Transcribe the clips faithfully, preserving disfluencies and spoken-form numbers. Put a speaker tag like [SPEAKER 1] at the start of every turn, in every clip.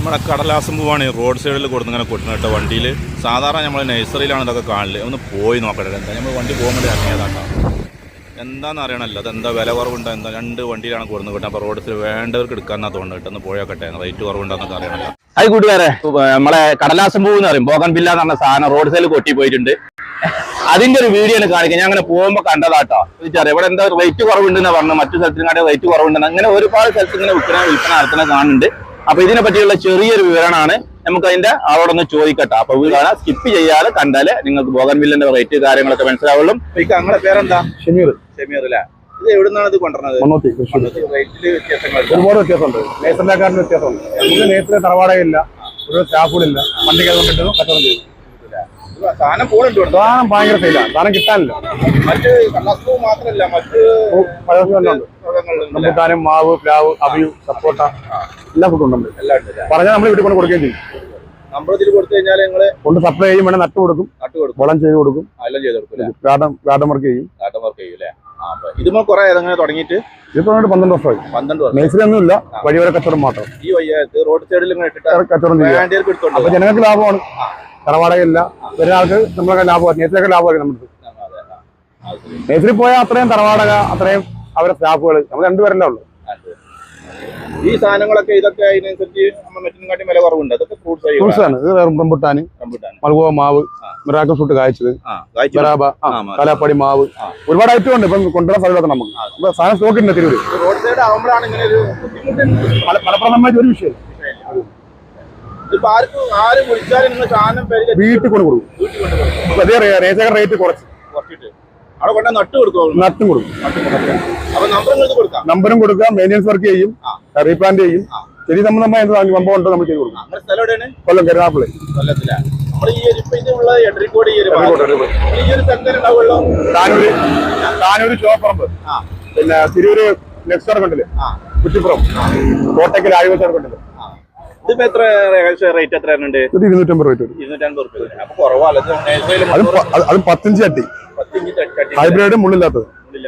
[SPEAKER 1] നമ്മുടെ കടലാസം പൂവാണ് റോഡ് സൈഡിൽ കൊടുത്ത് ഇങ്ങനെ കൊട്ടുന്ന കേട്ടോ വണ്ടിയിൽ. സാധാരണ നമ്മൾ നഴ്സറിയിലാണ് ഇതൊക്കെ കാണല്. ഒന്ന് പോയി നോക്കട്ടെ എന്താ നമ്മൾ വണ്ടി പോകുമ്പോൾ ഇറങ്ങിയതാട്ടോ. എന്താണെന്ന് അറിയണമല്ലോ അതെന്താ വില കുറവുണ്ടോ എന്താ. രണ്ട് വണ്ടിയിലാണ് കൊടുന്ന് കിട്ടുക. അപ്പോൾ റോഡ് സൈഡ് വേണ്ടവർക്ക് എടുക്കാമെന്നാണ് തോന്നുന്നു കേട്ടോ. ഒന്ന് പോയോക്കട്ടെ റേറ്റ് കുറവുണ്ടോന്നൊക്കെ അറിയണമല്ലോ.
[SPEAKER 2] അത് കൂട്ടുകാരെ നമ്മളെ കടലാസം പൂ എന്ന് പറയും ബോഗൻ വില്ല എന്ന് പറഞ്ഞ സാധനം റോഡ് സൈഡിൽ കൊട്ടി പോയിട്ടുണ്ട്. അതിന്റെ ഒരു വീഡിയോ ആണ് കാണിക്കുക. ഞാൻ അങ്ങനെ പോകുമ്പോൾ കണ്ടതാട്ടോ. ചോദിച്ചറിയാം ഇവിടെ എന്താ റേറ്റ് കുറവുണ്ടെന്ന് പറഞ്ഞു. മറ്റു സ്ഥലത്തിനായിട്ട് റേറ്റ് കുറവുണ്ടെന്ന് അങ്ങനെ ഒരുപാട് സ്ഥലത്ത് ഇങ്ങനെ വിൽപ്പന വിൽപ്പന നടത്തുന്ന കാണുന്നുണ്ട്. അപ്പൊ ഇതിനെ പറ്റിയുള്ള ചെറിയൊരു വിവരണമാണ്. നമുക്ക് അതിന്റെ ആളോടൊന്ന് ചോദിക്കട്ടെ. അപ്പൊ വീടാണ് സ്കിപ്പ് ചെയ്യാതെ കണ്ടാല് നിങ്ങൾക്ക് ബോഗൻ വില്ലിന്റെ റേറ്റ് കാര്യങ്ങളൊക്കെ മനസ്സിലാവുള്ളൂ.
[SPEAKER 1] നിങ്ങളുടെ പേരെന്താ? ഷമീർ. ഷമീർ അല്ലേ? ഇത് എവിടുന്നാണ് ഇത് കൊണ്ടുവരുന്നത്?
[SPEAKER 3] ഒരുപാട് വ്യത്യാസമുണ്ട്. നേഴ്സറിനെക്കാട്ടിന് വ്യത്യാസമുണ്ട്. നമുക്ക് നേരത്തെ തറവാടകയില്ല, ഒരു സ്റ്റാഫുകളില്ല, വണ്ടിക്ക് കൊണ്ടിട്ട് കച്ചവടം ചെയ്തു.
[SPEAKER 1] സാധനം പോകുന്നുണ്ട്.
[SPEAKER 3] സാധനം ഭയങ്കര സെയിലാണ്. സാധനം കിട്ടാനില്ല.
[SPEAKER 1] മറ്റ് കടലാസപ്പൂ മാത്രമല്ല മറ്റ്
[SPEAKER 3] റംബുട്ടാനും മാവ് പ്ലാവ് അബിയു സപ്പോട്ട എല്ലാ ഫുഡും ഉണ്ട്. പറഞ്ഞാൽ നമ്മൾ വീട്ടിൽ കൊണ്ട് കൊടുക്കുകയും ചെയ്യും.
[SPEAKER 1] നമ്മളതിൽ കൊടുത്തു കഴിഞ്ഞാൽ നിങ്ങള്
[SPEAKER 3] കൊണ്ട് സപ്ലൈ ചെയ്യും. വേണേൽ നട്ട് കൊടുക്കും,
[SPEAKER 1] നട്ട് കൊടുക്കും,
[SPEAKER 3] വളം ചെയ്ത് കൊടുക്കും,
[SPEAKER 1] എല്ലാം ചെയ്ത് കൊടുക്കും.
[SPEAKER 3] ഗാർഡൻ ഗാർഡൻ വർക്ക് ചെയ്യും.
[SPEAKER 1] ഗാർഡൻ വർക്ക് ചെയ്യും അല്ലേ? ഇതുമോ കുറെ ഏതെങ്ങനെ തുടങ്ങിയിട്ട്
[SPEAKER 3] ഇത് പന്ത്രണ്ട് വർഷമായി.
[SPEAKER 1] പന്ത്രണ്ട് വർഷം
[SPEAKER 3] നേഴ്സറി ഒന്നും ഇല്ല, വഴിവരെ കച്ചവടം മാത്രം.
[SPEAKER 1] ഈ വയ്യാത്ത് റോഡ് സൈഡിൽ
[SPEAKER 3] കച്ചവടം ചെയ്യും. അപ്പൊ ജനങ്ങൾക്ക് ലാഭമാണ്. തറവാടകയില്ല, ഒരാൾക്ക് നമ്മളൊക്കെ ലാഭമാണ്. നേരത്തെ ലാഭമായിരിക്കും നമ്മുടെ. നേഴ്സറി പോയാൽ അത്രയും തറവാടക, അത്രയും അവരുടെ സ്റ്റാഫുകൾ, നമ്മൾ രണ്ടുപേരല്ലേ ഉള്ളൂ.
[SPEAKER 1] ഈ സാധനങ്ങളൊക്കെ ഇതൊക്കെ അതിനനുസരിച്ച് മറ്റിനെക്കാട്ടി വില കുറവുണ്ട്. അതൊക്കെ
[SPEAKER 3] ഫ്രൂട്ട്സ് ആണ്. ഇത് റംബുട്ടാന്, മൽഗോവ മാവ്, മിറാക്കിൾ ഫ്രൂട്ട് കായ്ച്ചത്, ബറാബ, കലാപ്പടി മാവ്, ഒരുപാട് ഐറ്റം ഉണ്ട്. ഇപ്പം കൊണ്ടുവരാൻ സാധ്യത നമുക്ക് സാധനം സ്റ്റോക്ക് ഉണ്ട്. തിരൂര്
[SPEAKER 1] റോഡ് സൈഡ് ആകുമ്പോഴാണ് ഇങ്ങനെ ഒരു ബുദ്ധിമുട്ട്.
[SPEAKER 3] ഫലപ്രദമായിട്ട് ഒരു വിഷയം വീട്ടിൽ കൊണ്ട് കൊടുക്കും. അതേ റേറ്റ് റേറ്റ് കുറച്ച് നട്ടും കൊടുക്കും. നമ്പറും കൊടുക്കാം, മെയിൻ്റെനൻസ് വർക്ക് ചെയ്യും, റീപ്ലാന്റ് ചെയ്യും. ചെടി സംബന്ധമായ എന്ത് സംഭവം ഉണ്ടോ നമ്മൾ ചെയ്ത് കൊടുക്കും. കൊല്ലം കരുനാപ്പള്ളി. താനൂര് താനൂര് ചോപ്പറമ്പ്, പിന്നെ തിരൂര് നെക്സ്റ്റ് കണ്ടില്ലേ, കുറ്റിപ്പുറം, കോട്ടയ്ക്കൽ ആയുർവേദ കണ്ടില്ലേ.
[SPEAKER 1] ഇതിപ്പോ എത്ര റേറ്റ് എത്ര ഉണ്ട്?
[SPEAKER 3] ഇത് ഇരുന്നൂറ്റമ്പത് രൂപ വരും.
[SPEAKER 1] ഇരുന്നൂറ്റമ്പത് റുപ്യ. അപ്പൊ കുറവാണ്.
[SPEAKER 3] അത് പത്തിഞ്ച് ചട്ടി, ഹൈബ്രിഡ് മുള്ളില്ലാത്തത്.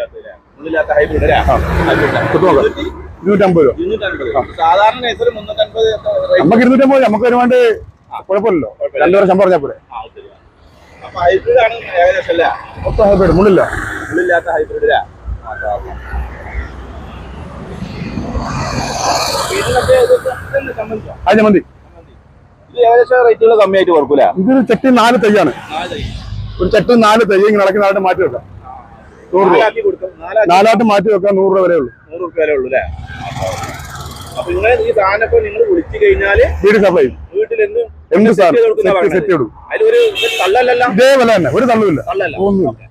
[SPEAKER 3] ഇരുന്നൂറ്റമ്പത് രൂപ.
[SPEAKER 1] സാധാരണ
[SPEAKER 3] നമുക്ക് ഇരുന്നൂറ്റമ്പത്. നമുക്ക് ഒരുപാട് കുഴപ്പമില്ലല്ലോ. രണ്ടു വർഷം പറഞ്ഞാൽ പോലെ. മൊത്തം ഹൈബ്രിഡ്, മുള്ളില്ല
[SPEAKER 1] മുള്ളില്ലാത്ത ഹൈബ്രിഡ്.
[SPEAKER 3] അത് മതി.
[SPEAKER 1] ഇത് ഏകദേശം റേറ്റുകൾ കമ്മിയായിട്ട് കൊടുക്കൂല.
[SPEAKER 3] ഇതൊരു ചട്ടി നാല് തൈയാണ്. ഒരു ചട്ടി നാല് തൈ ഇങ്ങനെ ഇളക്കി നാലായിട്ട് മാറ്റി വെക്കാം. നൂറ് രൂപ നാലായിട്ട് മാറ്റി വെക്കാം. നൂറ് രൂപ വരെ ഉള്ളൂ.
[SPEAKER 1] നൂറ് രൂപ വരെ ഉള്ളൂ അല്ലേ? അപ്പൊ നിങ്ങൾ ഈ സാധനം ഇപ്പൊ നിങ്ങൾ വിളിച്ചു കഴിഞ്ഞാല്
[SPEAKER 3] വീട് സപ്ലൈ
[SPEAKER 1] വീട്ടിൽ എന്ത്
[SPEAKER 3] എന്ത് സാധനം സെറ്റ് കൊടുക്കും.
[SPEAKER 1] അതിലൊരു തള്ളല്ല.
[SPEAKER 3] ഇതേ വില തന്നെ, ഒരു തള്ളുമില്ല.
[SPEAKER 1] തള്ളല്ല.
[SPEAKER 3] ഒന്നും